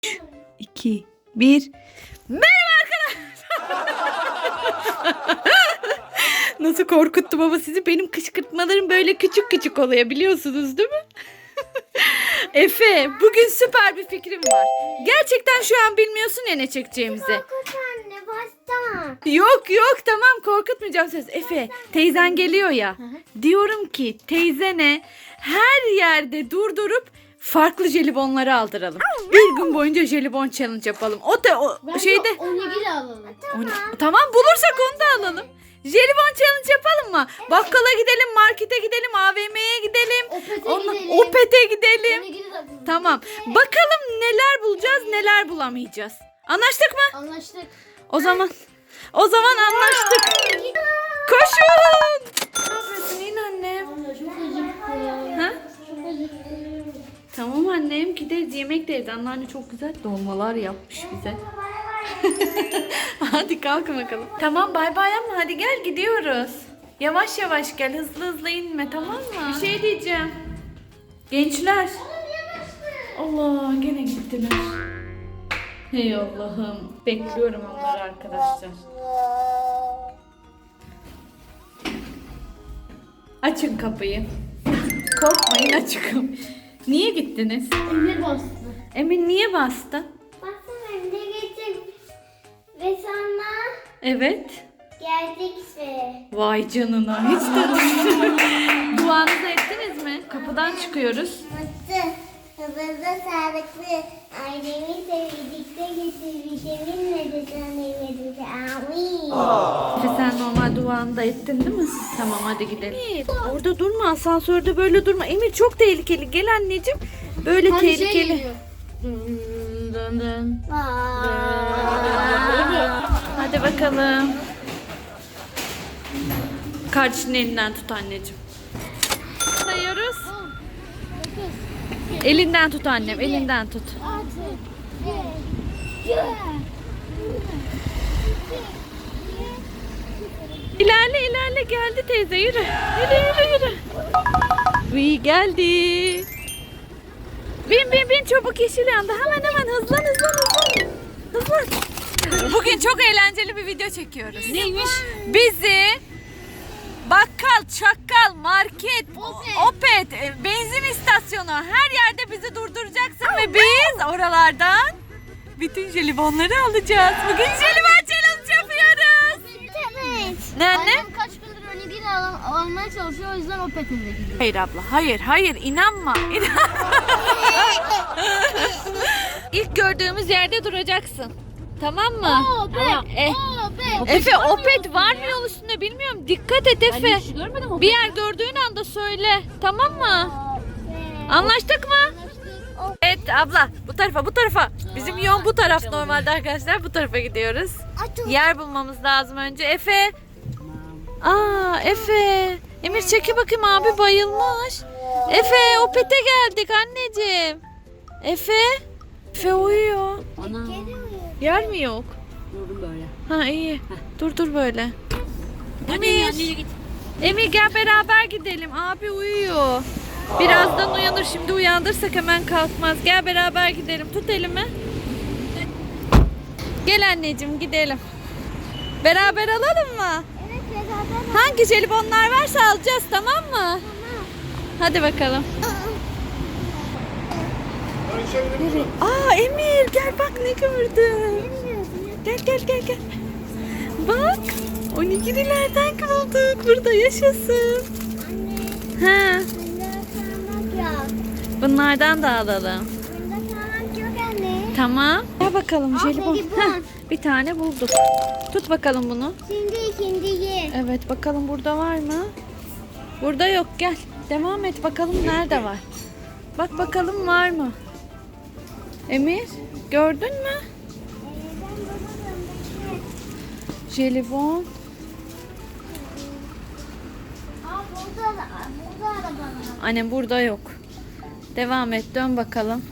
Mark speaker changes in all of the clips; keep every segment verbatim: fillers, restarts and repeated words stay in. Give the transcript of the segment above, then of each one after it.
Speaker 1: iki, bir. Merhaba arkadaşlar. Nasıl korkuttum ama sizi. Benim kışkırtmalarım böyle küçük küçük oluyor, biliyorsunuz değil mi? Efe, bugün süper bir fikrim var. Gerçekten şu an bilmiyorsun ya ne çekeceğimizi.
Speaker 2: Korkut anne, baştan.
Speaker 1: Yok yok, tamam, korkutmayacağım söz. Efe, teyzen geliyor ya. Diyorum ki teyzene her yerde durdurup farklı jelibonları aldıralım. Bir gün boyunca jelibon challenge yapalım. O da o
Speaker 2: Bence
Speaker 1: şeyde.
Speaker 2: onigiri alalım.
Speaker 1: Tamam. Tamam, bulursak onu da alalım. Jelibon challenge yapalım mı? Bakkala gidelim, markete gidelim, A V M'ye gidelim.
Speaker 2: Opet'e
Speaker 1: Ondan-
Speaker 2: gidelim.
Speaker 1: Opet'e gidelim.
Speaker 2: Onigiri de alalım.
Speaker 1: Tamam. Bakalım neler bulacağız, neler bulamayacağız. Anlaştık mı?
Speaker 2: Anlaştık.
Speaker 1: O zaman o zaman anlaştık. Koşun. Ne yapıyorsun yine annem?
Speaker 2: Anne çok acıktım.
Speaker 1: Ha?
Speaker 2: Çok acıktım.
Speaker 1: Tamam annem, gideriz, yemek de yeriz. Anneanne çok güzel dolmalar yapmış bize. Hadi kalkın bakalım. Tamam, bay bay ama hadi gel, gidiyoruz. Yavaş yavaş gel, hızlı hızlı inme, tamam mı? Bir şey diyeceğim. Gençler. Allah, gene gittiler. Hey Allah'ım. Bekliyorum onları arkadaşlar. Açın kapıyı. Korkmayın, açın kapıyı. Niye gittiniz?
Speaker 2: Emir bastı.
Speaker 1: Emin niye bastı?
Speaker 2: Baksana önde geçip ve sonra
Speaker 1: Evet.
Speaker 2: geldik ve
Speaker 1: Vay canına, hiç de düşünmedim. Duanızı ettiniz mi? Kapıdan çıkıyoruz.
Speaker 2: mutlu, hızlı, sağlıklı, ailemi sevdikte getir, vitaminle de sana yemedim. Amin.
Speaker 1: Efe, sen normal duanı da ettin değil mi? Tamam, hadi gidelim. Emir, orada durma, asansörde böyle durma. Emir, çok tehlikeli. Gel anneciğim. Böyle
Speaker 2: Hadi şey
Speaker 1: tehlikeli.
Speaker 2: geliyor.
Speaker 1: Dın dın.
Speaker 2: Aa.
Speaker 1: Hadi bakalım. Kardeşinin elinden tut anneciğim. Sayıyoruz. Elinden tut annem, elinden tut. İlerle ilerle, geldi teyze, yürü. Yürü yürü yürü. İyi geldi. Bin bin bin, çabuk, yeşil yandı. Hemen hemen hızlan hızlan hızlan. Hızlan. Bugün çok eğlenceli bir video çekiyoruz. Neymiş? Bizi bakkal, çakkal, market,
Speaker 2: Opet.
Speaker 1: opet, e, benzin istasyonu, her yerde bizi durduracaksın ve biz oralardan bütün jelibonları alacağız. Bugün jelibon challenge yapıyoruz.
Speaker 2: Evet.
Speaker 1: Ne anne?
Speaker 2: Annem kaç gündür onigiri al almaya çalışıyor, o yüzden o petinde gidiyor.
Speaker 1: Hayır abla, hayır hayır, inanma. İnanma. İlk gördüğümüz yerde duracaksın. Tamam mı?
Speaker 2: Opet,
Speaker 1: E,
Speaker 2: opet.
Speaker 1: Efe, opet var mı yol üstünde bilmiyorum. Dikkat et Efe. Bir yer gördüğün anda söyle. Tamam mı? Anlaştık mı? Evet abla, bu tarafa bu tarafa. Bizim yol bu taraf normalde arkadaşlar. Bu tarafa gidiyoruz. Yer bulmamız lazım önce. Efe. Aa Efe. Emir, çeki bakayım, abi bayılmış. Efe, opete geldik anneciğim. Efe. Efe uyuyor. Yer mi yok?
Speaker 3: Durdum böyle.
Speaker 1: Ha iyi. Dur dur böyle.
Speaker 3: Hadi
Speaker 1: Emir.
Speaker 3: anneye git.
Speaker 1: Emir, gel beraber gidelim. Abi uyuyor. Birazdan uyanır. Şimdi uyandırsak hemen kalkmaz. Gel beraber gidelim. Tut elimi. Gel anneciğim, gidelim. Beraber alalım mı?
Speaker 2: Evet, beraber.
Speaker 1: Hangi jelibonlar varsa alacağız, tamam mı? Hadi bakalım. Nereye? Aa Emir, gel bak ne gördüm. Gel gel gel gel. Bak, onigirilerden bulduk. Burada yaşasın.
Speaker 2: Anne,
Speaker 1: Ha,
Speaker 2: bunda kalmak yok.
Speaker 1: bunlardan da alalım.
Speaker 2: Bunda kalmak yok anne.
Speaker 1: Tamam. Gel bakalım
Speaker 2: Aa,
Speaker 1: jelibon.
Speaker 2: jelibon.
Speaker 1: Heh, bir tane bulduk. Tut bakalım bunu.
Speaker 2: Şimdi ikinciyi.
Speaker 1: Evet, bakalım burada var mı? Burada yok, gel. Devam et bakalım nerede var. Bak bakalım var mı? Emir, gördün mü? Jelibon.
Speaker 2: Aa, burada da, burada arabalar.
Speaker 1: Annem, burada yok. Devam et, dön bakalım.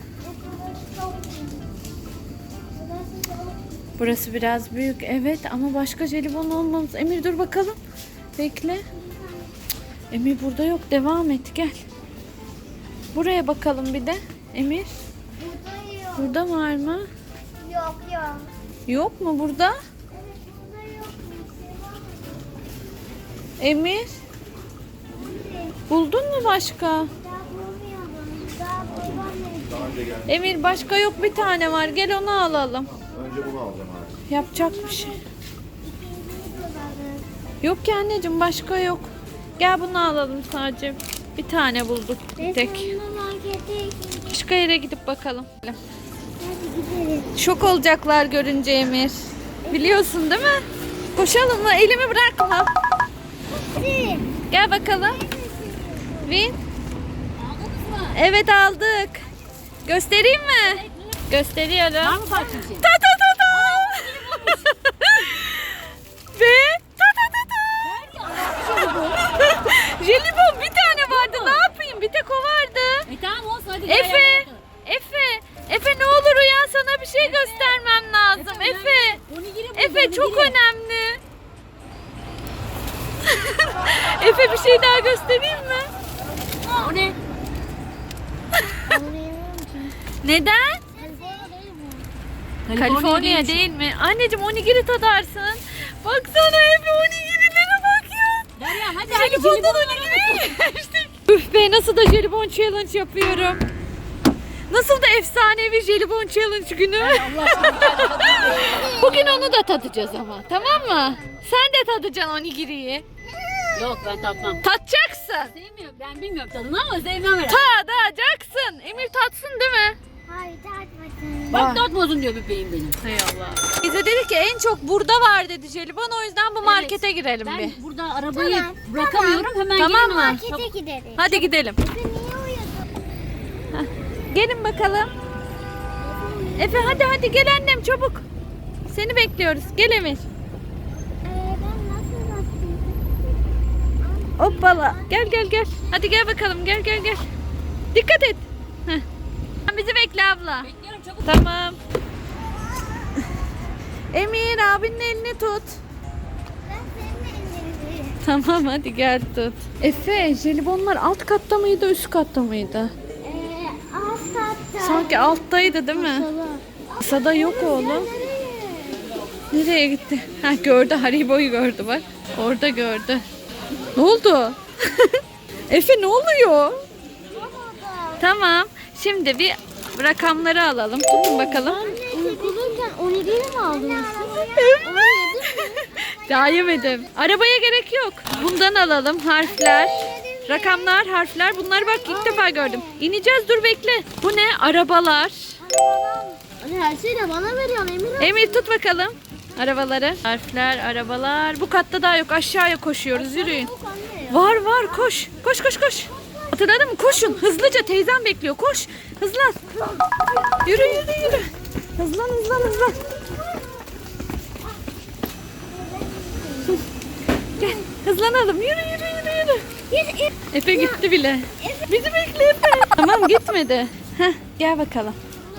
Speaker 1: Burası biraz büyük, evet, ama başka jelibon olmamız. Emir dur bakalım. Bekle. Cık, Emir burada yok. Devam et, gel. Buraya bakalım bir de. Emir.
Speaker 2: Burada yok.
Speaker 1: Burada var mı?
Speaker 2: Yok yok.
Speaker 1: Yok mu burada?
Speaker 2: Evet burada yok. Bir şey var mı?
Speaker 1: Emir, buldun mu başka?
Speaker 2: Daha bulmayalım. Daha bulamadım.
Speaker 1: Emir başka yok, bir tane var. Gel onu alalım.
Speaker 4: Önce bunu alacağım abi.
Speaker 1: Yapacak bir şey.
Speaker 2: İkinciyi bulalım.
Speaker 1: Yok ki anneciğim, başka yok. Gel bunu alalım sadece. Bir tane bulduk bir tek.
Speaker 2: Resmen markete ikinci.
Speaker 1: Başka yere gidip bakalım.
Speaker 2: Hadi gidelim.
Speaker 1: Şok olacaklar görünce Emir. Biliyorsun değil mi? Koşalım mı? Elimi bırakma.
Speaker 2: Hadi.
Speaker 1: Gel bakalım. Win. Evet aldık. Göstereyim mi? Gösteriyorum.
Speaker 3: Var mı parçası?
Speaker 1: Ta ta ta ta. Ve ta ta ta ta. Jelibon bir tane vardı. Ne yapayım? Bir tek o vardı.
Speaker 3: E tamam olsun hadi. gel,
Speaker 1: Efe.
Speaker 3: gel, gel.
Speaker 1: Efe. Efe ne olur uyan, sana bir şey göstermem lazım. Efe.
Speaker 3: Onigiri buldu,
Speaker 1: Efe çok
Speaker 3: onigiri.
Speaker 1: önemli. Efe bir şey daha göstereyim mi?
Speaker 3: O ne?
Speaker 1: Neden? Kaliforniya
Speaker 3: değil.
Speaker 1: değil mi? Anneciğim onigiri tadarsın. Baksana Efe, onigirilere bak ya.
Speaker 3: Derya hadi hadi.
Speaker 1: Jelibondan onigiri yemiştik. Üf be, nasıl da jelibon challenge yapıyorum. Nasıl da efsanevi jelibon challenge günü. Bugün onu da tadacağız ama, tamam mı? Sen de tadacaksın onigiriyi.
Speaker 3: Yok ben tatmam.
Speaker 1: Tatacaksın.
Speaker 3: Sevmiyorum. Ben bilmiyorum tadını ama sevmem herhalde.
Speaker 1: Tadacaksın. Emir tatsın değil mi?
Speaker 2: Hayır tartmasın.
Speaker 3: Bak tatmadın diyor bebeğim benim.
Speaker 1: Hay Allah. Bize dedi ki en çok burada var dedi jelibon, o yüzden bu markete girelim
Speaker 3: Ben
Speaker 1: bir.
Speaker 3: burada arabayı
Speaker 2: Tamam,
Speaker 3: bırakamıyorum. Hemen
Speaker 1: Tamam
Speaker 3: gelin
Speaker 1: mı?
Speaker 2: Markete gideriz.
Speaker 1: Hadi gidelim.
Speaker 2: Efe niye uyudun?
Speaker 1: Gelin bakalım. Efe hadi hadi gel annem, çabuk. Seni bekliyoruz. Gel Emir.
Speaker 2: Ee, ben nasıl bastım?
Speaker 1: Hoppala. Gel gel gel. Hadi gel bakalım. Gel gel gel. Dikkat et. Heh. Bizi bekle abla.
Speaker 3: Bekliyorum çabuk.
Speaker 1: Tamam. Emir abinin elini tut.
Speaker 2: Ben senin ellerini.
Speaker 1: Tamam hadi gel tut. Efe jelibonlar alt katta mıydı, üst katta mıydı?
Speaker 2: Ee, alt katta.
Speaker 1: Sanki alttaydı değil mi? Masada yok oğlum. Nereye gitti? Ha gördü, Haribo'yu gördü bak. Orada gördü. Ne oldu? Efe ne oluyor? Tamam. Şimdi bir rakamları alalım. Tutun bakalım.
Speaker 2: Okuluyken onigiri mi aldın?
Speaker 1: Daha yemedim. Arabaya gerek yok. Bundan alalım harfler. Rakamlar, harfler. Bunları bak ilk defa gördüm. İneceğiz, dur bekle. Bu ne? Arabalar.
Speaker 2: Anne her şeyi de bana veriyorsun Emir.
Speaker 1: Emir tut bakalım arabaları. Harfler, arabalar. Bu katta daha yok. Aşağıya koşuyoruz. Yürüyün. Var var, koş. Koş koş koş. Hatırladın mı? Koşun. Hızlıca, teyzem bekliyor. Koş. Hızlan. Yürü yürü yürü. Hızlan hızlan hızlan. Gel. Hızlanalım. Yürü yürü yürü yürü. Efe gitti bile. Bizi bekle Efe. Tamam gitmedi. Heh, gel bakalım.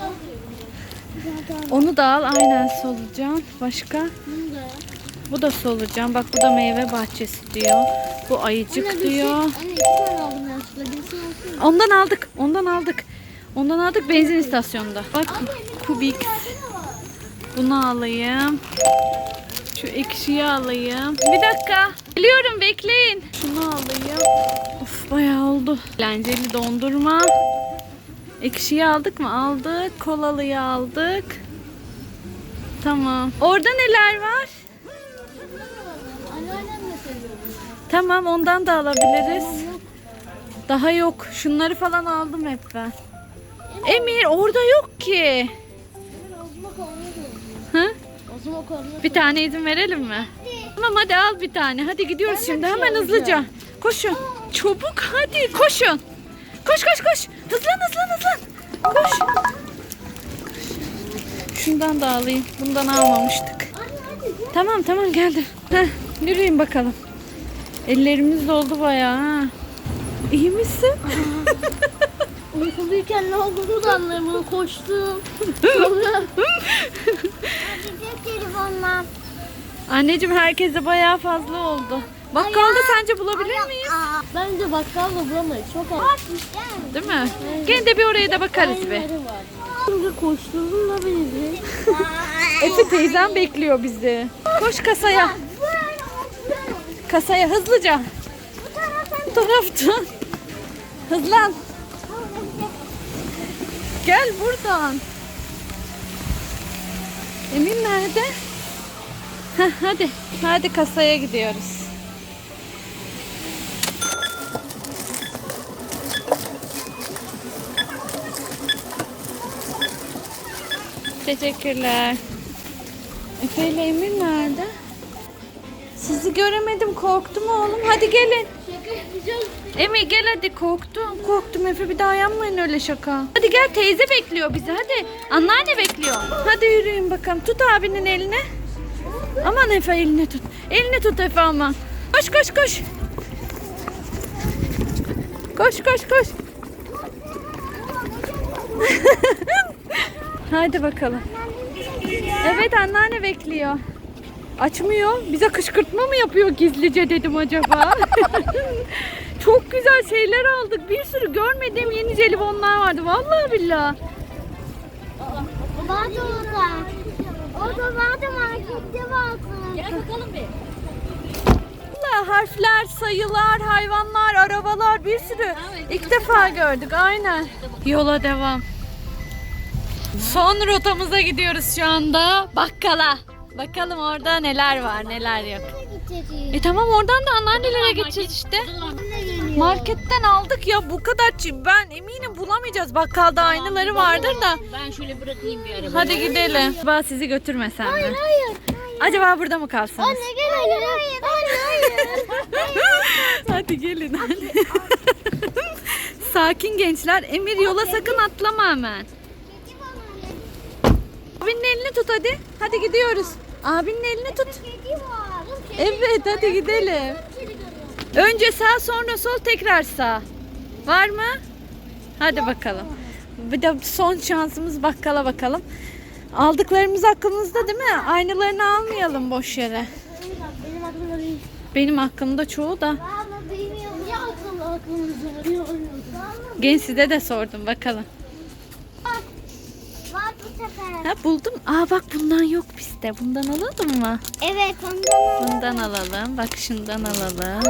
Speaker 1: Onu da al, aynen solucan. Başka? Bu da solucan. Bak bu da meyve bahçesi diyor. Bu ayıcık diyor.
Speaker 2: Anne iki tane aldım yanlışlıkla. Birisi olsun.
Speaker 1: Ondan aldık. Ondan aldık. Ondan aldık benzin istasyonunda. Bak Kubik. Bunu alayım. Şu ekşiyi alayım. Bir dakika. Geliyorum, bekleyin. Şunu alayım. Of bayağı oldu. Eğlenceli dondurma. Ekşiyi aldık mı? Aldık. Kolalıyı aldık. Tamam. Orada neler var?
Speaker 2: Anneannem de seviyor.
Speaker 1: Tamam, ondan da alabiliriz. Daha yok. Şunları falan aldım hep ben. Emir orada yok ki.
Speaker 2: Ozma konuyor.
Speaker 1: Hı?
Speaker 2: Ozma konuyor.
Speaker 1: Bir tane izin verelim mi? Tamam hadi al bir tane. Hadi gidiyoruz
Speaker 2: Ben de
Speaker 1: şimdi
Speaker 2: bir şey
Speaker 1: hemen hızlıca.
Speaker 2: alacağım.
Speaker 1: Koşun. Çabuk hadi koşun. Koş koş koş. Hızlan hızlan hızlan. Koş. Şundan da alayım. Bundan almamıştık. Tamam tamam geldim. Heh, yürüyün bakalım. Ellerimiz doldu bayağı ha. İyi misin?
Speaker 2: Uykuluyken ne olduğunu da anlayamadım. Koştum. Sonra... Gidecek telefonla.
Speaker 1: Anneciğim herkese bayağı fazla oldu. Bakkalda sence bulabilir miyiz?
Speaker 2: Bence bakkalda bulamayız. Çok az.
Speaker 1: Değil mi? Gene de bir oraya da bakarız be.
Speaker 2: Var. Şimdi koşturdun da beni bir.
Speaker 1: Efe teyzem bekliyor bizi. Koş kasaya. Kasaya hızlıca. Bu taraftan. Hızlan. Gel buradan. Emin nerede? Heh, hadi. Hadi kasaya gidiyoruz. Teşekkürler. Efe ile Emir nerede? Sizi göremedim, korktum oğlum. Hadi gelin.
Speaker 2: Şaka yapacağız.
Speaker 1: Emir gel hadi, korktum. Korktum Efe, bir daha yapmayın öyle şaka. Hadi gel, teyze bekliyor bizi, hadi. Anneanne bekliyor. Hadi yürüyün bakalım. Tut abinin elini. Aman Efe, elini tut. Elini tut Efe aman. Koş koş koş. Koş koş koş. Hadi bakalım. Evet, anneanne bekliyor. Açmıyor. Bize kışkırtma mı yapıyor gizlice dedim acaba. Çok güzel şeyler aldık. Bir sürü görmediğim yeni jelibonlar vardı. Vallahi billahi.
Speaker 2: Vardı orada. Orada vardı, markette vardı.
Speaker 3: Gel bakalım bir.
Speaker 1: Vallahi harfler, sayılar, hayvanlar, arabalar, bir sürü. İlk defa gördük. Aynen. Yola devam. Son rotamıza gidiyoruz şu anda. Bakkala. Bakalım orada neler var, neler yok. E tamam, oradan da anneannelere geçeceğiz işte. Marketten aldık ya, bu kadar çi- ben eminim bulamayacağız. Bakkalda aynıları vardır da.
Speaker 3: Ben şöyle bırakayım bir arabayı.
Speaker 1: Hadi gidelim. Acaba sizi götürmesem mi?
Speaker 2: Hayır.
Speaker 1: Acaba burada mı kalsanız?
Speaker 2: Anne gel. Hayır hayır. Hayır hayır.
Speaker 1: Hadi gelin. Sakin gençler. Emir, yola sakın atlama hemen. Abinin elini tut hadi. Hadi gidiyoruz. Abinin elini tut.
Speaker 2: Kedi var.
Speaker 1: Evet, hadi gidelim. Önce sağ, sonra sol, tekrar sağ. Var mı? Hadi bakalım. Bir de son şansımız bakkala bakalım. Aldıklarımız aklımızda değil mi? Aynılarını almayalım boş yere.
Speaker 2: Benim aklımda değil.
Speaker 1: Benim aklımda çoğu da.
Speaker 2: Ama bilmiyorum. Ya aklımda aklımda değil.
Speaker 1: Genç, size de sordum bakalım.
Speaker 2: Var bu sefer.
Speaker 1: Ha, buldum. Aa bak, bundan yok bizde. Bundan alalım mı?
Speaker 2: Evet ondan.
Speaker 1: Bundan alalım. Bak, şundan alalım.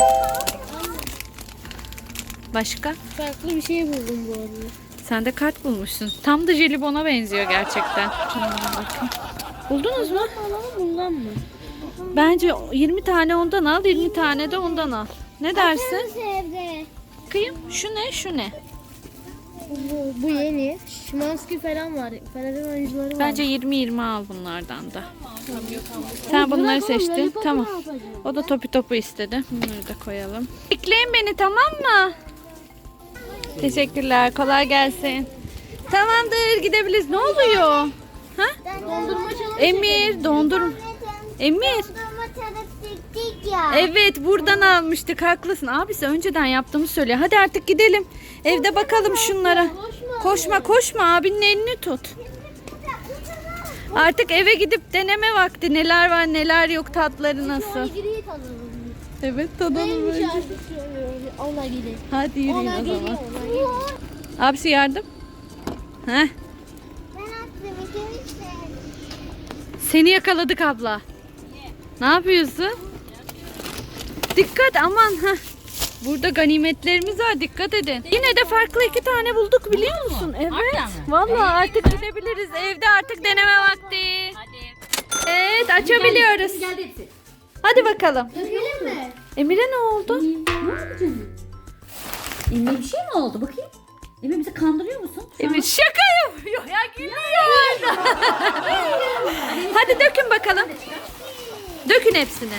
Speaker 1: Başka?
Speaker 2: Farklı bir şey buldum bu arada.
Speaker 1: Sen de kart bulmuşsun. Tam da jelibona benziyor gerçekten. Bakın. Buldunuz mu?
Speaker 2: Alalım bundan mı?
Speaker 1: Bence yirmi tane ondan al, yirmi tane de ondan al. Ne dersin?
Speaker 2: Evde.
Speaker 1: Bakayım. Şu ne? Şu ne?
Speaker 2: Bu, bu yeni. Şimanski falan var. Fener'in oyuncuları var.
Speaker 1: Bence yirmi yirmi al bunlardan da. Sen bunları seçtin. Tamam. O da topu topu istedi. Bunları da koyalım. Bekleyin beni, tamam mı? Teşekkürler. Kolay gelsin. Tamamdır, gidebiliriz. Ne oluyor? Ha?
Speaker 2: Dondurma çalalım.
Speaker 1: Emir, dondur. Emir.
Speaker 2: Dondurma çalıştık ya.
Speaker 1: Evet, buradan almıştık. Haklısın. Abisi önceden yaptığımı söylüyor. Hadi artık gidelim. Evde bakalım şunlara. Koşma koşma, abinin elini tut. Artık eve gidip deneme vakti. Neler var neler yok, tatları nasıl.
Speaker 2: Giriyi tadalım.
Speaker 1: Evet, tadalım
Speaker 2: Neymiş
Speaker 1: önce.
Speaker 2: artık söylüyor. Ona gidelim.
Speaker 1: Hadi yürüyün
Speaker 2: Ona
Speaker 1: o
Speaker 2: geliyor.
Speaker 1: zaman.
Speaker 2: Ona geliyor.
Speaker 1: Abisi yardım. Heh.
Speaker 2: Ben attım ikimiz.
Speaker 1: Seni yakaladık abla. Ne yapıyorsun? Dikkat, aman. Heh. Burada ganimetlerimiz var, dikkat edin. Yine de farklı iki tane bulduk, biliyor musun? Evet. Vallahi artık gidebiliriz. Evde artık deneme vakti.
Speaker 3: Hadi.
Speaker 1: Evet, açabiliyoruz.
Speaker 3: Geldi hepsi.
Speaker 1: Hadi bakalım.
Speaker 2: Dökelim mi?
Speaker 1: Emir'e ne oldu?
Speaker 3: Ne oldu canım? Emre bir şey mi oldu? Bakayım. Emre bizi kandırıyor musun?
Speaker 1: Emir şaka yapıyor ya, gülüyor. Hadi dökün bakalım. Dökün hepsini.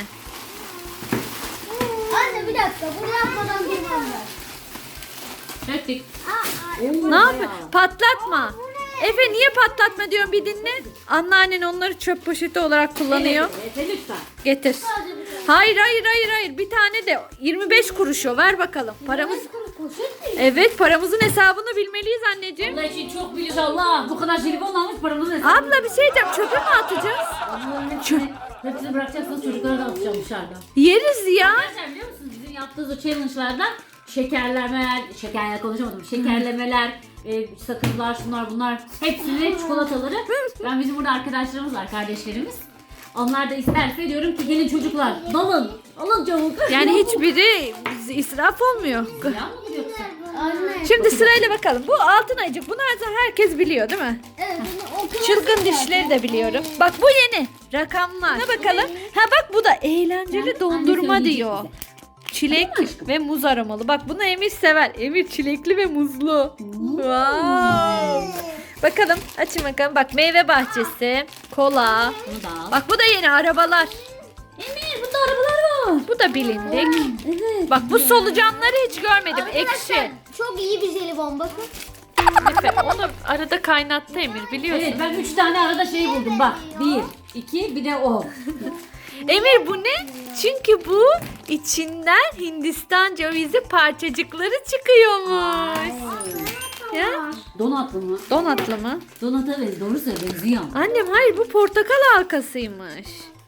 Speaker 2: Anne bir dakika. Bunu yapmadan girmem ben.
Speaker 3: Döktük.
Speaker 1: Ne yapıyor? Patlatma. Efe, niye patlatma diyorum, bir dinle. Anneannen onları çöp poşeti olarak kullanıyor.
Speaker 3: Evet, evet, lütfen.
Speaker 1: Getir. Hayır hayır hayır hayır. Bir tane de yirmi beş kuruş o. Ver bakalım. Paramız. Evet, paramızın hesabını bilmeliyiz anneciğim.
Speaker 3: Allah için çok biliyoruz Allah. Bu kadar jelibon almış paramızı hesabı.
Speaker 1: Abla bir şey diyeceğim. Çöpe mi atacağız?
Speaker 3: Bunların hepsini, hepsini bırakacaksınız, çocuklara da atacağım dışarıda.
Speaker 1: Yeriz ya.
Speaker 3: Arkadaşlar biliyor musunuz bizim yaptığımız o challenge'lardan şekerlemeler, şekerler konuşamadım, şekerlemeler, e, sakızlar, şunlar bunlar hepsini çikolataları. Ben bizim burada arkadaşlarımız var, kardeşlerimiz. Onlar da isterse diyorum ki gelin çocuklar dalın. Alın çabuk.
Speaker 1: Yani hiçbiri israf olmuyor.
Speaker 3: Ya mı yoksa?
Speaker 2: Anne.
Speaker 1: Şimdi sırayla bakalım. Bu altın ayıcık. Bunu herkes biliyor değil mi?
Speaker 2: Evet, bunu okula
Speaker 1: Çılgın dişleri de biliyorum. Bak bu yeni. Rakamlar. Ne bakalım? Ha bak bu da eğlenceli dondurma
Speaker 3: söyleyecek
Speaker 1: diyor.
Speaker 3: bize.
Speaker 1: Çilek
Speaker 3: Değil mi aşkım?
Speaker 1: ve muz aromalı. Bak bunu Emir sever. Emir çilekli ve muzlu. Wow. Bakalım açın bakalım. Bak meyve bahçesi, kola.
Speaker 3: Bunu da al.
Speaker 1: Bak bu da yeni arabalar.
Speaker 3: Emir bunda arabalar var.
Speaker 1: Bu da bilindik.
Speaker 3: Evet.
Speaker 1: Bak bu solucanları hiç görmedim.
Speaker 2: Arkadaşlar,
Speaker 1: Ekşi.
Speaker 2: çok iyi bir jelibon bakın.
Speaker 1: Efe, onu arada kaynattı Emir biliyorsun.
Speaker 3: Evet ben üç tane arada şey buldum bak. Bir, iki bir de o.
Speaker 1: Emir bu ne? Çünkü bu içinden Hindistan cevizi parçacıkları çıkıyormuş. Ya?
Speaker 3: Donatlı mı?
Speaker 1: Donatlı mı?
Speaker 3: Donata benziyor. Doğru söylüyor. Benziyor.
Speaker 1: Annem hayır bu portakal halkasıymış.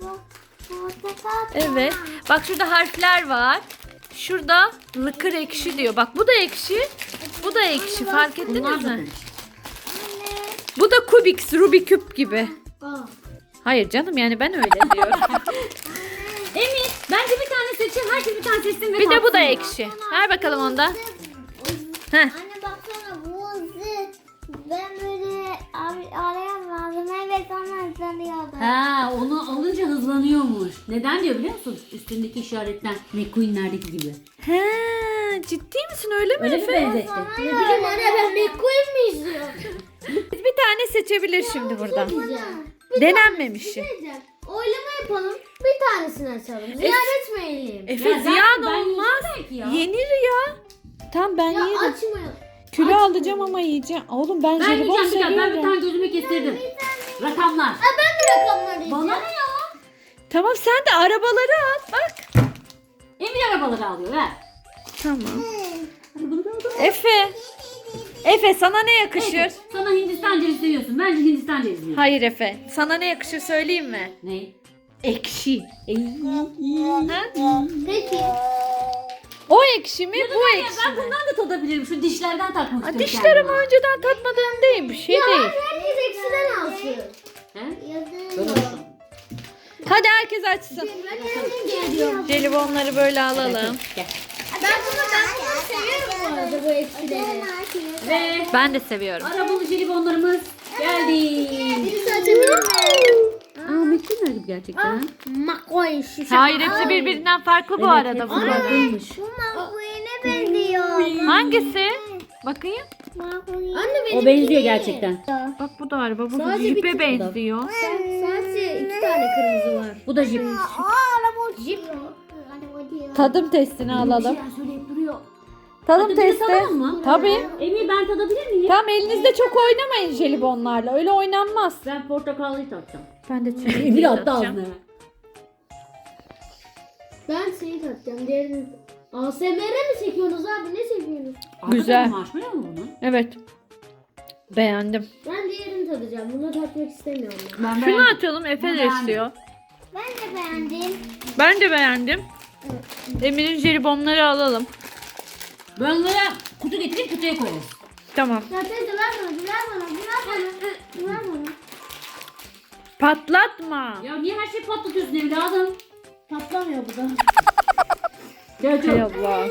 Speaker 1: Evet. Bak şurada harfler var. Şurada lıkır ekşi diyor. Bak bu da ekşi. Bu da ekşi. Fark ettiniz
Speaker 3: Bunlar da
Speaker 1: mi? Bu da Kubix, Rubik küp gibi.
Speaker 2: Aa.
Speaker 1: Hayır canım yani ben öyle diyorum.
Speaker 3: Emir bence bir tane seçin. Herkes bir tane seçsin ve
Speaker 1: Bir de bu da
Speaker 3: tatsın.
Speaker 1: ekşi. Ver bakalım onda. Heh.
Speaker 5: Anne baksana bu hızlı. Ben böyle abi arayamazdım. Evet ona hızlanıyordu.
Speaker 3: Ha onu alınca hızlanıyormuş. Neden diyor biliyor musun? Üstündeki işaretten McQueen'lerdeki gibi.
Speaker 1: He, ciddi misin öyle mi
Speaker 3: Öyle mi
Speaker 1: Efe?
Speaker 3: benzetti?
Speaker 2: Ne bileyim anne ben McQueen mi izliyorum?
Speaker 1: Bir tane seçebilir şimdi buradan.
Speaker 2: Diyeceğim.
Speaker 1: Denenmemişi.
Speaker 2: Diyeceğim. Oylama yapalım. Bir tanesini açalım. Ziyan etmeyelim.
Speaker 1: Efe
Speaker 3: Ya zaten
Speaker 1: ziyan
Speaker 3: ben
Speaker 1: olmaz.
Speaker 3: yiyeceğim belki ya.
Speaker 1: Yenir ya. Tam ben
Speaker 2: Ya
Speaker 1: yerim.
Speaker 2: açmayalım.
Speaker 1: Kilo alacağım ama yiyeceğim. Oğlum ben,
Speaker 3: Ben
Speaker 1: jelibon
Speaker 3: yiyeceğim bir tane. Ben bir
Speaker 1: seviyorum.
Speaker 3: tane gözüme kestirdim. Rakamlar.
Speaker 2: Ha ben de rakamları yiyeceğim.
Speaker 3: Bana ne ya?
Speaker 1: Tamam sen de arabaları al. Bak.
Speaker 3: Emir arabaları alıyor ver.
Speaker 1: Tamam. Efe. Efe sana ne yakışır?
Speaker 3: Evet, sana Hindistan cevizi seviyorsun. Bence Hindistan cevizi yiyor.
Speaker 1: Hayır Efe. Sana ne yakışır söyleyeyim mi?
Speaker 3: Ne?
Speaker 1: Ekşi. Ha?
Speaker 2: Peki.
Speaker 1: O ekşi mi bu
Speaker 3: Ya
Speaker 1: ekşi
Speaker 3: ben
Speaker 1: mi?
Speaker 3: bundan da tadabilirim. Şu dişlerden takmak
Speaker 1: Ha,
Speaker 3: istiyorum.
Speaker 1: dişlerim
Speaker 3: kendime.
Speaker 1: önceden tatmadığım değil. Bir şey değil.
Speaker 2: Herkes eksiden alsın.
Speaker 3: He?
Speaker 5: Yazın.
Speaker 3: Böyle olsun.
Speaker 1: Hadi herkes açsın.
Speaker 2: Ben kendim geliyorum.
Speaker 1: Jelibonları böyle alalım.
Speaker 3: Gel.
Speaker 2: Ben bunu ben bunu seviyorum bu arada bu eksileri.
Speaker 3: Ve
Speaker 1: Ben de seviyorum.
Speaker 3: arabalı jelibonlarımız geldi.
Speaker 2: Birisi açabilir mi?
Speaker 3: Aa McQueen'ler gibi gerçekten.
Speaker 2: McQueen şu
Speaker 1: Hayır hepsi birbirinden farklı bu arada
Speaker 3: hepsi
Speaker 1: bunlar.
Speaker 3: farklıymış.
Speaker 5: Bu makbuyene benziyor.
Speaker 1: Hangisi? Bakayım.
Speaker 5: Makbuyene.
Speaker 2: Anne benim
Speaker 3: O benziyor gerçekten.
Speaker 1: Bak bu da araba. Bu
Speaker 2: Sadece bir
Speaker 1: jipe
Speaker 2: tık
Speaker 1: benziyor.
Speaker 2: Sadece iki tane kırmızı var.
Speaker 3: Bu da jip.
Speaker 5: Aa araba uçuyor. Araba uçuyor.
Speaker 1: Tadım testini alalım.
Speaker 3: Bir söyleyip duruyor.
Speaker 1: Tadım
Speaker 3: Hadi bir de
Speaker 1: testi.
Speaker 3: tadalım mı?
Speaker 1: Tabii.
Speaker 3: Emir ben tadabilir miyim?
Speaker 1: Tamam elinizde çok oynamayın jelibonlarla. Öyle oynanmaz.
Speaker 3: Ben portakallıyı tatacağım.
Speaker 1: Ben de çilekli
Speaker 3: Emir attı
Speaker 1: atacağım.
Speaker 3: ağzına.
Speaker 2: Ben seni tatacağım. Diğerini... A S M R mi çekiyorsunuz abi? Ne çekiyorsunuz?
Speaker 1: Güzel.
Speaker 3: Marshmallow mu bunun?
Speaker 1: Evet. Beğendim.
Speaker 2: Ben diğerini tadacağım. Bunu tatmak istemiyorum ben.
Speaker 3: Ben
Speaker 1: Şunu
Speaker 3: beğendim.
Speaker 1: atalım. Efe
Speaker 3: Ben
Speaker 1: de
Speaker 3: beğendim.
Speaker 1: istiyor.
Speaker 5: Ben de beğendim.
Speaker 1: Ben de beğendim. Emir'in jelibonları alalım.
Speaker 3: Ben böyle kutu getirip kutuya koyarız.
Speaker 1: Tamam.
Speaker 2: Ya teyze ver bana, ver bana, ver bana. Ver bana.
Speaker 1: Patlatma.
Speaker 3: Ya niye her şeyi patlatıyorsun evladım?
Speaker 2: Patlamıyor bu da.
Speaker 3: Gel
Speaker 1: Hay Allah.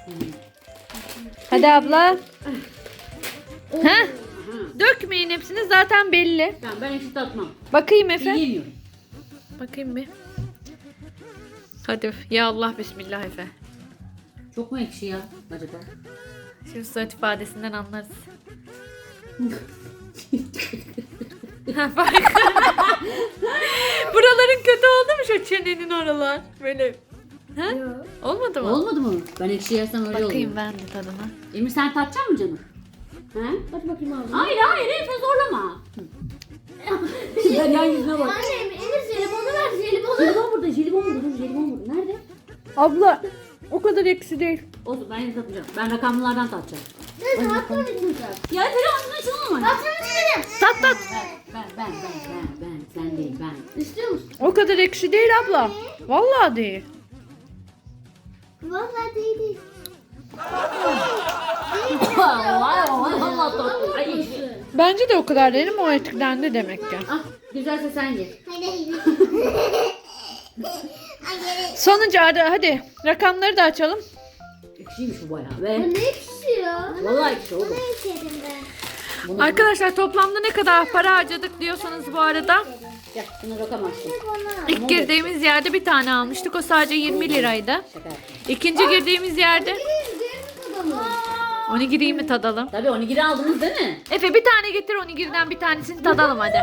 Speaker 1: Hadi abla. Heh. Dökmeyin hepsini zaten belli.
Speaker 3: Tamam ben hiç tatmam.
Speaker 1: Bakayım Efe.
Speaker 3: Yiyemiyorum.
Speaker 1: Bakayım bir. Hadi ya Allah bismillah Efe.
Speaker 3: Çok mu ekşi ya acaba?
Speaker 1: Şimdi surat ifadesinden anlarız. Ha, bak. Buraların kötü oldu mu şu çenenin oralar? Böyle. Ha? Olmadı mı?
Speaker 3: Olmadı mı? Ben ekşi yersem öyle oluyor.
Speaker 1: Bakayım ben de tadına.
Speaker 3: Emir sen tatacak mısın canım? He?
Speaker 2: Hadi bakayım abi.
Speaker 3: Hayır hayır Efe zorlama. Ben yan yüzüne bak.
Speaker 2: Anne Emir jelibonu ver jelibonu.
Speaker 3: Jelibon burada, jelibon burada, dur jelibon burada. Nerede?
Speaker 1: Abla o kadar eksi değil.
Speaker 3: Olsun ben yine tatacağım. Ben rakamlardan tatacağım.
Speaker 2: Teyze hakkını tutacağım.
Speaker 3: Ya Efe ağzına şunu mu?
Speaker 2: Hakkını tutacağım.
Speaker 1: Tat tat.
Speaker 3: Ben, ben, ben, ben, ben, sen değil ben.
Speaker 2: İstiyor musun?
Speaker 1: O kadar ekşi değil abla. Vallahi değil.
Speaker 5: Vallahi değil.
Speaker 3: Allah Allah Allah. Ay.
Speaker 1: Bence de o kadar değilim, o etkilendi demek ki.
Speaker 3: Ah, güzelse sen ye.
Speaker 1: Sonuncu Arda, hadi rakamları da açalım.
Speaker 3: Ekşiymiş bu bayağı be.
Speaker 5: Ne pişiyor?
Speaker 3: Vallahi ekşi oğlum.
Speaker 5: Ne içerim ben?
Speaker 3: Bunu,
Speaker 1: Arkadaşlar toplamda ne kadar para harcadık diyorsanız bu arada.
Speaker 3: Gel şunu rakam açtım.
Speaker 1: İlk girdiğimiz yerde bir tane almıştık. O sadece yirmi liraydı.
Speaker 3: Şaka yaptım.
Speaker 1: İkinci girdiğimiz yerde onigiriyi mi tadalım?
Speaker 3: Tabii onigiri aldınız değil mi?
Speaker 1: Efe bir tane getir, onigiriden bir tanesini tadalım hadi.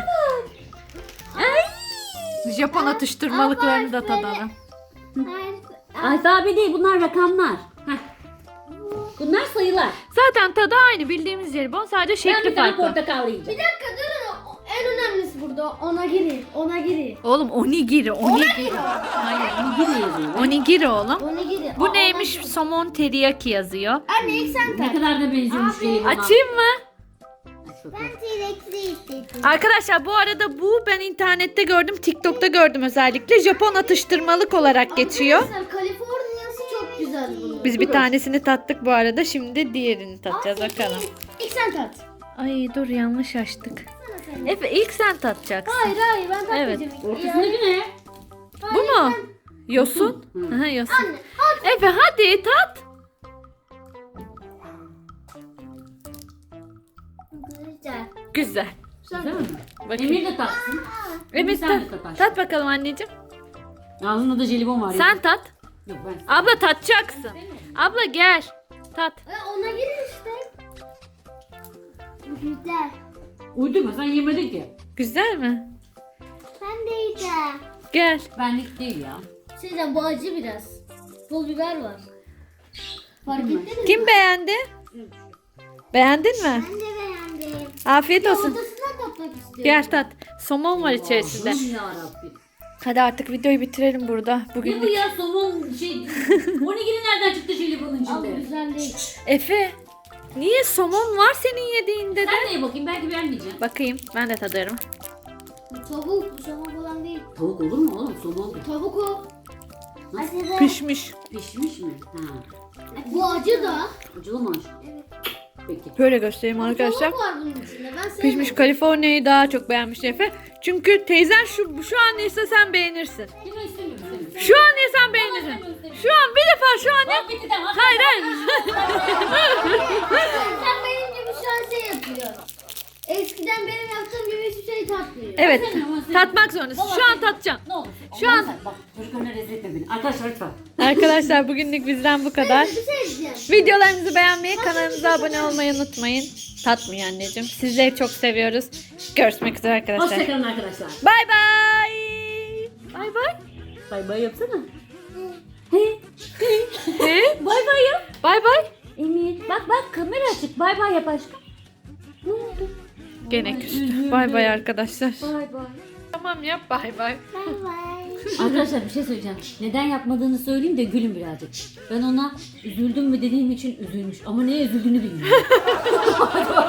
Speaker 1: Japon atıştırmalıklarını da tadalım.
Speaker 3: Alfabe değil, bunlar rakamlar. Heh. Bunlar sayılar.
Speaker 1: Zaten tadı aynı, bildiğimiz jelibon, sadece
Speaker 3: Ben
Speaker 1: şekli
Speaker 3: bir tane
Speaker 1: farklı.
Speaker 3: portakal yiyeceğim.
Speaker 2: Bir dakika durun. En önemlisi burada. Ona giri. Ona giri.
Speaker 1: Oğlum onigiri, onigiri.
Speaker 3: Hayır, onigiri yazıyor.
Speaker 1: Onigiri oğlum.
Speaker 2: Ona giri.
Speaker 1: Bu neymiş? Somon teriyaki yazıyor.
Speaker 2: Anne ilk sen
Speaker 3: Ne
Speaker 2: tat.
Speaker 3: kadar da benziyormuş jelibona.
Speaker 1: Açayım mı?
Speaker 3: Aç bakalım.
Speaker 5: Ben T-Rex'i istedim.
Speaker 1: Arkadaşlar bu arada bu ben internette gördüm, TikTok'ta gördüm özellikle. Japon atıştırmalık olarak geçiyor.
Speaker 2: Arkadaşlar Kaliforniyası çok güzel bunun.
Speaker 1: Biz bir tanesini tattık bu arada. Şimdi diğerini tatacağız bakalım.
Speaker 2: İlk sen tat.
Speaker 1: Ay dur, yanlış açtık. Efe ilk sen tatacaksın.
Speaker 2: Hayır hayır ben tatmayacağım.
Speaker 1: Evet.
Speaker 3: Ortasındaki ne?
Speaker 1: Bu mu? Yosun.
Speaker 3: Hı.
Speaker 1: Aha, yosun.
Speaker 2: Anne at.
Speaker 1: Efe hadi tat.
Speaker 5: Güzel.
Speaker 1: Güzel.
Speaker 3: Değil mi?
Speaker 1: Bakayım.
Speaker 3: Emir de tatsın.
Speaker 1: Evet,
Speaker 3: sen
Speaker 1: tat,
Speaker 3: de tat aşkım.
Speaker 1: tat bakalım anneciğim.
Speaker 3: Ağzında da jelibon var ya.
Speaker 1: Sen tat.
Speaker 3: Yok ben.
Speaker 1: Abla tatacaksın. Abla gel. Tat.
Speaker 2: E, ona giri işte.
Speaker 5: Güzel.
Speaker 3: Uydurma, sen yemedin ki.
Speaker 1: Güzel mi?
Speaker 5: Ben de yiyeceğim.
Speaker 1: Gel.
Speaker 3: Benlik değil ya.
Speaker 2: Sizden bu acı biraz. Pul biber var. Fark ettiniz mi?
Speaker 1: Kim beğendi? Beğendin mi?
Speaker 5: Ben de beğendim.
Speaker 1: Afiyet olsun.
Speaker 2: Ortasından tatmak istiyorum.
Speaker 1: Gel tat. Somon var içerisinde.
Speaker 3: Allah'ım yarabbim.
Speaker 1: Hadi artık videoyu bitirelim burada.
Speaker 3: Ne bu
Speaker 1: Bugün
Speaker 3: ya, somon şey. Onigiri nereden çıktı jelibonun
Speaker 2: Ama
Speaker 3: içinde?
Speaker 2: güzel değil.
Speaker 1: Efe. Niye somon var senin yediğinde de?
Speaker 3: Sen de ye bakayım, belki beğenmeyeceğim.
Speaker 1: Bakayım, ben de tadarım.
Speaker 2: Tavuk. Bu somon falan değil.
Speaker 3: Tavuk olur mu oğlum? Somon
Speaker 2: Tavuk o.
Speaker 5: Acılı.
Speaker 1: Pişmiş.
Speaker 3: pişmiş mi? Ha.
Speaker 2: Bu acı da.
Speaker 3: Acılı mı aşkım? Peki.
Speaker 1: Böyle göstereyim arkadaşlar.
Speaker 2: Tavuk var bunun içinde. Ben sevmedim.
Speaker 1: Pişmiş Kaliforniya'yı daha çok beğenmiş Efe. Çünkü teyzen şu şu an yese sen beğenirsin.
Speaker 3: Yine istemiyorum istemiyorum.
Speaker 1: Şu an yesen beğenirsin. Şu an bir defa şu an
Speaker 3: Bak bitti tamam.
Speaker 1: Hayır hayır.
Speaker 2: Sen benim gibi şu an şey yapıyor. Eskiden benim yaptığım gibi hiçbir şey tatmıyor.
Speaker 1: Evet.
Speaker 3: Sevmiyorum, sevmiyorum.
Speaker 1: tatmak zorundasın. Şu an tatacaksın.
Speaker 3: Ne olur.
Speaker 1: Şu
Speaker 3: Allah'ım
Speaker 1: an-
Speaker 3: sen- Bak çocuklarına rezil etme beni. Arkadaşlar lütfen.
Speaker 1: Arkadaşlar bugünlük bizden bu kadar.
Speaker 2: Bir şey diyeceğim.
Speaker 1: Videolarımızı beğenmeyi, kanalımıza abone olmayı unutmayın. Tatmıyor anneciğim. Sizleri çok seviyoruz. Görüşmek üzere arkadaşlar.
Speaker 3: Hoşçakalın arkadaşlar.
Speaker 1: Bay bay. Bay bay.
Speaker 3: Bay bay yapsana.
Speaker 1: He?
Speaker 3: Bay bay yap.
Speaker 1: Bay bay.
Speaker 3: Emir bak bak kamera açık. Bay bay yap aşkım. Ne oldu?
Speaker 1: Gene küstü. Bay bay arkadaşlar.
Speaker 2: Bay bay.
Speaker 1: Tamam yap bay bay.
Speaker 5: Bay bay.
Speaker 3: Arkadaşlar bir şey söyleyeceğim. Neden yapmadığını söyleyeyim de gülün birazcık. Ben ona üzüldüm mü dediğim için üzülmüş. Ama neye üzüldüğünü bilmiyorum.